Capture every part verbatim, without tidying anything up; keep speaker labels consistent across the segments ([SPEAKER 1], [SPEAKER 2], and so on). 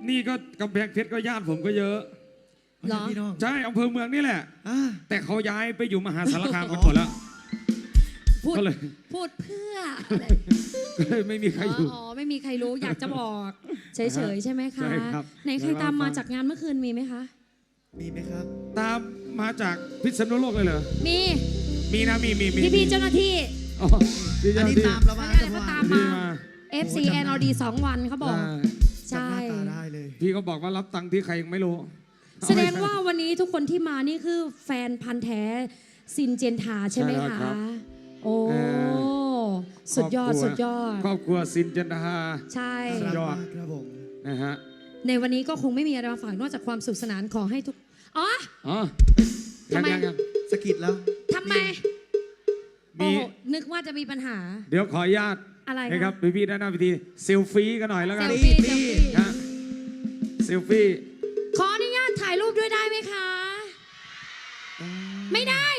[SPEAKER 1] นี่ก็กำแพงเพชรก็ญาติผมก็เยอะ
[SPEAKER 2] เหรอ
[SPEAKER 1] ใช่อำเภอเมืองนี่แหละ
[SPEAKER 2] อ่า
[SPEAKER 1] แต่เขาย้ายไปอยู่มหาสารคามกันหมดแล้ว
[SPEAKER 3] พูด
[SPEAKER 1] ก็เลย
[SPEAKER 3] พูดเพื่อ
[SPEAKER 1] ก็เลยไม่มีใครอยู่
[SPEAKER 3] อ๋อไม่มีใครรู้อยากจะบอกเฉยๆใช่ไหมคะ
[SPEAKER 1] ใช่ครับ
[SPEAKER 3] ไหนใครตามมาจากงานเมื่อคืนมีไหมคะ
[SPEAKER 2] มีไหมครับ
[SPEAKER 1] ตามมาจากพิษณุโลกเลยเหรอ
[SPEAKER 3] มี
[SPEAKER 1] มีนะมีมีมี
[SPEAKER 3] พี่พี่ๆเจ้าหน้าที่
[SPEAKER 1] อ๋อพี่
[SPEAKER 2] อัน
[SPEAKER 1] เจ้าห
[SPEAKER 2] นี้
[SPEAKER 1] น้าที่
[SPEAKER 2] ตามเรามา
[SPEAKER 3] อะไรก็ตาม
[SPEAKER 1] พี่
[SPEAKER 3] มา
[SPEAKER 1] มา
[SPEAKER 3] เอฟ ซี แอน อล ดี สองวันเขาบอก
[SPEAKER 1] ได้
[SPEAKER 3] ใช่
[SPEAKER 2] จำหน้าตาได้เลย
[SPEAKER 1] พี่ก็บอกว่ารับตังค์ที่ใครยังไม่รู้
[SPEAKER 3] แสดงว่าวันนี้ทุกคนที่มานี่คือแฟนพันธ์แท้ซินเจนทาใช่ไหมคะโอ้สุดยอดสุดยอด
[SPEAKER 1] ครอบครัวซินเจนดา
[SPEAKER 3] ใช่
[SPEAKER 1] สุดยอด
[SPEAKER 2] ครับผม
[SPEAKER 1] นะฮะ
[SPEAKER 3] ในวันนี้ก็คงไม่มีอะไรมาฝากนอกจากความสุขสนานขอให้ทุกอ๋อ
[SPEAKER 1] อ๋อ
[SPEAKER 3] ทำไม
[SPEAKER 1] ยังยัง
[SPEAKER 2] สะกิดแล้ว
[SPEAKER 3] ทำไม
[SPEAKER 1] มี
[SPEAKER 3] โอ้นึกว่าจะมีปัญหา
[SPEAKER 1] เดี๋ยวขออนุญาต
[SPEAKER 3] อะไรคะ
[SPEAKER 1] นะครับพี่ๆด้านหน้าพิธีเซลฟี่กันหน่อยแล้วกัน
[SPEAKER 3] เซลฟี่
[SPEAKER 2] ปี
[SPEAKER 3] เซลฟี่
[SPEAKER 1] ฮะเซลฟี่
[SPEAKER 3] ขออนุญาตถ่ายรูปด้วยได้ไหมคะ ไม่ได้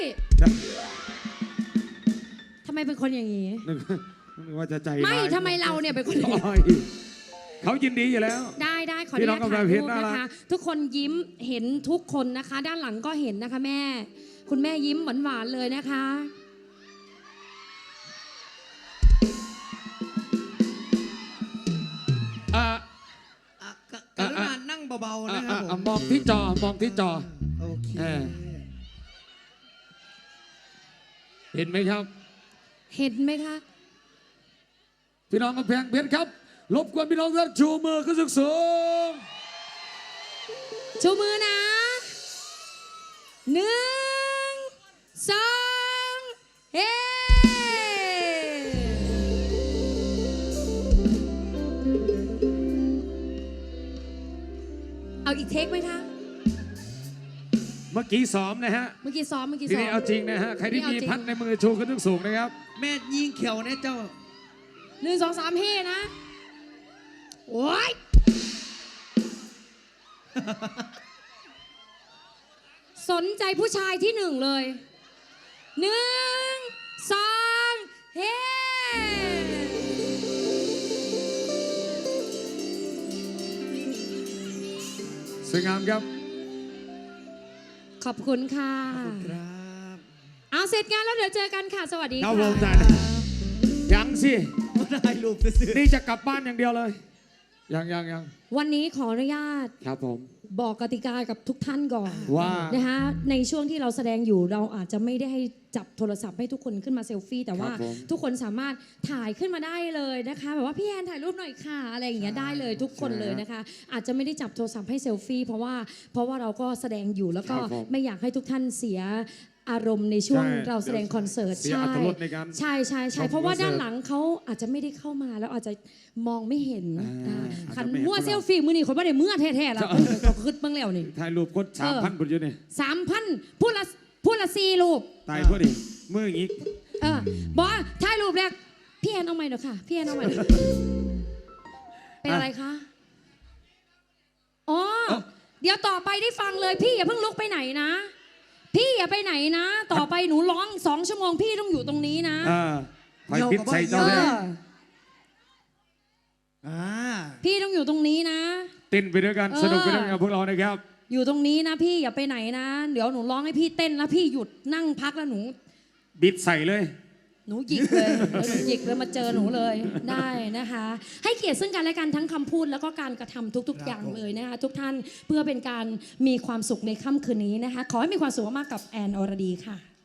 [SPEAKER 3] ทำไมเป็นคนอย่างนี้
[SPEAKER 1] นึกนึกว่าจะใจ
[SPEAKER 3] ไม่
[SPEAKER 1] ร้าย
[SPEAKER 3] ทำไมเราเนี่ยเป็นคนอย่างนี้
[SPEAKER 1] โอ้ยเขายินดีอยู่แล้ว
[SPEAKER 3] ได้ได้ขออ
[SPEAKER 1] พี่
[SPEAKER 3] นุ
[SPEAKER 1] น้อ
[SPEAKER 3] ญาง ต
[SPEAKER 1] กำลั
[SPEAKER 3] ถ่าง ย
[SPEAKER 1] เพ
[SPEAKER 3] รู
[SPEAKER 1] ชร
[SPEAKER 3] ป
[SPEAKER 1] น่ารั
[SPEAKER 3] นะ
[SPEAKER 1] ก
[SPEAKER 3] คะ ทุกคนยิ้มเห็นทุกคนนะคะ ด้านหลังก็เห็นนะคะแม่ คุณแม่ยิ้มหวานๆเลยนะคะ
[SPEAKER 1] อ่ะ
[SPEAKER 2] อ่ะกะกรุณานั่งเบาๆ
[SPEAKER 1] อ่ะ
[SPEAKER 2] นะครับ
[SPEAKER 1] อ่ะ
[SPEAKER 2] ผม
[SPEAKER 1] มองที่จอมองที่จอ
[SPEAKER 2] โอเค
[SPEAKER 1] เออ เห็นไหมครับ
[SPEAKER 3] เห็นไหมคะ
[SPEAKER 1] พี่น้องกำแพงเพชรครับรบกวนพี่น้องท่านชูมือขึ้นสูง
[SPEAKER 3] ชูมือนะหนึ่งสองเฮ้เอาอีกเทคไหมคะ
[SPEAKER 1] ๆเมื่อกี้ซ้อมนะฮะ
[SPEAKER 3] เมื่อกี้ซ้อมเมื่อกี้
[SPEAKER 1] ที
[SPEAKER 3] ซ้อ
[SPEAKER 1] นี้
[SPEAKER 3] ม
[SPEAKER 1] เอาจริงนะฮะใครที่
[SPEAKER 3] นี่เอา
[SPEAKER 1] มี
[SPEAKER 3] จริง
[SPEAKER 1] พัดในมือชูขึ้นสูงๆนะครับ
[SPEAKER 2] แม่ยิงเขียวเนี่ยเจ้า
[SPEAKER 3] หนึ่งสองสามเฮ้นะ โอ้ย สนใจผู้ชายที่หนึ่งเลยหนึ่งสองเฮ้
[SPEAKER 1] สวยงามครับ
[SPEAKER 3] ขอบคุณค่ะ
[SPEAKER 2] ครับ
[SPEAKER 3] เอาเสร็จงานแล้วเดี๋ยวเจอกันค่ะ สวัสดี
[SPEAKER 1] ครับ
[SPEAKER 3] ค่ะ
[SPEAKER 1] ผมได้ยังสิ
[SPEAKER 2] มาได้รูปซื้อ
[SPEAKER 1] นี่จะกลับบ้านอย่างเดียวเลย ยังยังยัง
[SPEAKER 3] วันนี้ขออนุญาต
[SPEAKER 1] ครับผม
[SPEAKER 3] บอกกติกากับทุกท่านก่อน
[SPEAKER 1] ว่า
[SPEAKER 3] นะคะในช่วงที่เราแสดงอยู่เราอาจจะไม่ได้ให้จับโทรศัพท์ให้ทุกคนขึ้นมาเซลฟี่แต่ว่า
[SPEAKER 1] ครับผม
[SPEAKER 3] ทุกคนสามารถถ่ายขึ้นมาได้เลยนะคะแบบว่าพี่แอนถ่ายรูปหน่อยค่ะอะไรอย่างเงี้ยได้เลยทุกคนเลยนะคะ อาจจะไม่ได้จับโทรศัพท์ให้เซลฟี่เพราะว่าเพราะว่าเราก็แสดงอยู่แล้วก็
[SPEAKER 1] ครับผม
[SPEAKER 3] ไม่อยากให้ทุกท่านเสียอารมณ์ในช่วง
[SPEAKER 1] ใช่
[SPEAKER 3] เราแสดงคอนเสิร์ต
[SPEAKER 1] เสียอรรถรสในการ
[SPEAKER 3] ใช่ใช่ใช่
[SPEAKER 1] ชม
[SPEAKER 3] เพราะว่า
[SPEAKER 1] คอนเสิร์ต
[SPEAKER 3] ด้านหลังเขาอาจจะไม่ได้เข้ามาแล้วอาจจะมองไม่เห็น
[SPEAKER 1] อ่า
[SPEAKER 3] อ่า
[SPEAKER 1] อาจจะ
[SPEAKER 3] ขัน
[SPEAKER 1] ไม่เห็น
[SPEAKER 3] มั่ว
[SPEAKER 1] พวกเรา
[SPEAKER 3] เซลฟี่มือนี่คนว่าได้เมื่อแท้ๆแล้วก็ขึ้นเบื้องแล้วนี่
[SPEAKER 1] ถ่ายรูปกดสามพันบุญอยู่นี่
[SPEAKER 3] สามพันพูดละพูดละสี่รูป
[SPEAKER 1] ตายพอดีมืออย่างงี้
[SPEAKER 3] เออบอกว่าถ่ายรูปแรกพี่แอนเอาใหม่หน่อยค่ะ พี่แอนเอาใหม่หน่อยเป็นอะไรคะ อ๋อ เดี๋ยวต่อไปได้ฟังเลยพี่อย่าเพิ่งลุกไปไหนนะ พี่อย่าไปไหนนะ ต่อไปหนูร้องสองชั่วโมงพี่ต้องอยู่ตรงนี้นะ
[SPEAKER 1] อ่าคอยพิษใส่เจ้า
[SPEAKER 3] เอ
[SPEAKER 1] แน่
[SPEAKER 3] อ
[SPEAKER 2] อ่า
[SPEAKER 3] พี่ต้องอยู่ตรงนี้นะ
[SPEAKER 1] เต้นไปด้วยกัน
[SPEAKER 3] เออ
[SPEAKER 1] สนุกไปด้วยกันกับพวกเรานะครับ
[SPEAKER 3] อยู่ตรงนี้นะพี่อย่าไปไหนนะ เดี๋ยวหนูร้องให้พี่เต้นแล้วพี่หยุดนั่งพักแล้วหนู
[SPEAKER 1] บิดใส่เลย
[SPEAKER 3] หนูหยิกเลยแล้วหนูหยิกเลยมาเจอหนูเลยได้นะคะ ให้เกียรติซึ่งกันและกันทั้งคำพูดแล้วก็การกระทำทุก ๆ อย่างเลยนะคะทุกท่านเพื่อเป็นการมีความสุขในค่ำคืนนี้นะคะ ขอให้มีความสุขมากๆกับแอนอรดีค่ะ